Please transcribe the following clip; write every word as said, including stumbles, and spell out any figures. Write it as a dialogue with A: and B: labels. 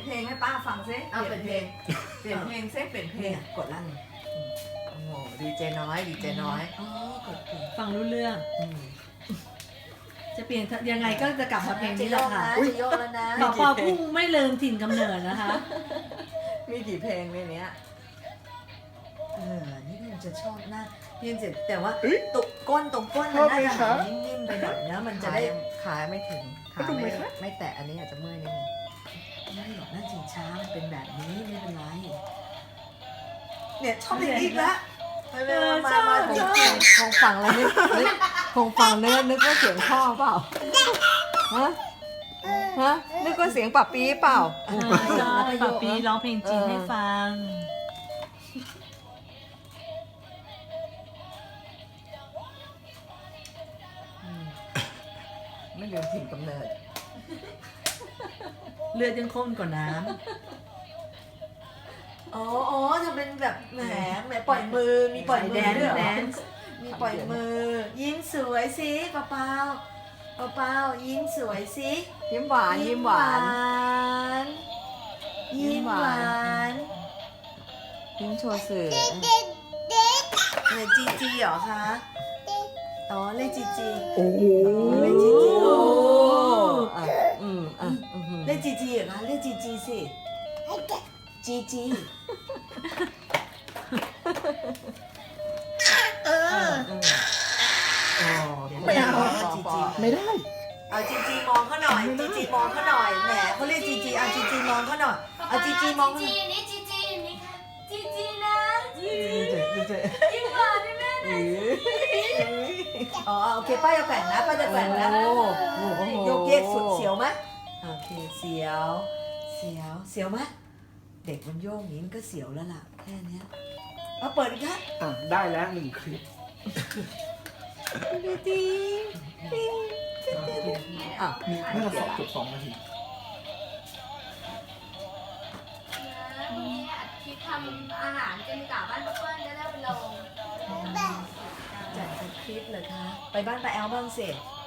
A: เพลงให้ป้าฟังซิเอาเปลี่ยนเพลงเปลี่ยนเพลงซิเปลี่ยนเพลงกดลั่นโอ้โหดีเจน้อยดีเจน้อยอ๋อกดเพลง
B: ฟังรู้เรื่องจะเปลี่ยนยังไงก็จะกลับมาเพลงนี้แหละค่ะ
A: จะโยกแล้วนะ
B: บอกปอพุ่งไม่ลืมถิ่นกำเนิดนะคะ
A: มีกี่เพลงในเนี้ยเออนี่มันจะชอบหน้าพี่เจ็บแต่ว่าตุกก้นตรงก้นมันน่าจะหานิ่มๆไปหน่อยนะมันจะได้ขาไม่ถึงขาไม่ไม่แตะอันนี้อาจจะเมื่อยนิดนึงไม่หรอกนั่นจริงช้ามันเป็นแบบนี้ไม่เป็นไรเนี่ยชอบเพลงนี้อีกแล้วมามาคงคงฟังแล้วนึกคงฟังเนื้อนึกว่าเสียงพ่อเปล่าฮะฮะนึกว่าเสียงปับปีเปล่า
B: ชอบปะปีร้องเพลงจีนให้ฟัง
A: ไม่ลืมถิ่นกำเนิด
B: เลือดยังข้นกว่าน้
A: อ๋ออ๋อจะเป็นแบบแหมแหมปล่อยมือมีปล่อยมือด้วยเหรอมีปล่อยมือยิ้มสวยสิเปาเปาเปาเปายิ้มสวยสิยิ้มหวานยิ้มหวานยิ้มหวานยิ้มโชว์สื่อเลยจีจีเหรอคะอ๋อเลยจีจี
C: โอ้โห
A: เลยจีจีโอ้อ่ะอืมอ่ะเลยจีจีเหรอคะเลยจีจีสิจีจีเออไม่เอาจีจี
C: ไม่ได้
A: เอาจีจีมองเขาหน่อยจีจีมองเขาหน่อยแหมเขาเรียกจีจีเอาจีจีมองเขาหน่อยเอาจีจีมอง
D: จีนี่จีจีนี่ค่ะจีจีนะจี
A: เจ๊เจ๊
D: ยิ้มหวานได้ไหม
A: อ๋อโอเคป้าจะแกว่งนะป้าจะแกว่งนะโยกเยกสุดเสียวไหมโอเคเสียวเสียวเสียวไหมเด็กมันโยกอย่างนี้มันก็เสียวแล้วล่ะแค่นี้เอาเปิดอีกครับ
C: อ่ะ ได้แล้วหนึ่งคลิป
A: ดีดีอ่ะ
C: มีน่าจะสองเกือบสองนาที
D: นี่อัดคลิปทำอาหารกันกลับบ้านป้าเปิ้ลจะได้ไปลง
A: จัดคลิปเลยคะไปบ้านป้าแอลบ้างสิ
D: ไ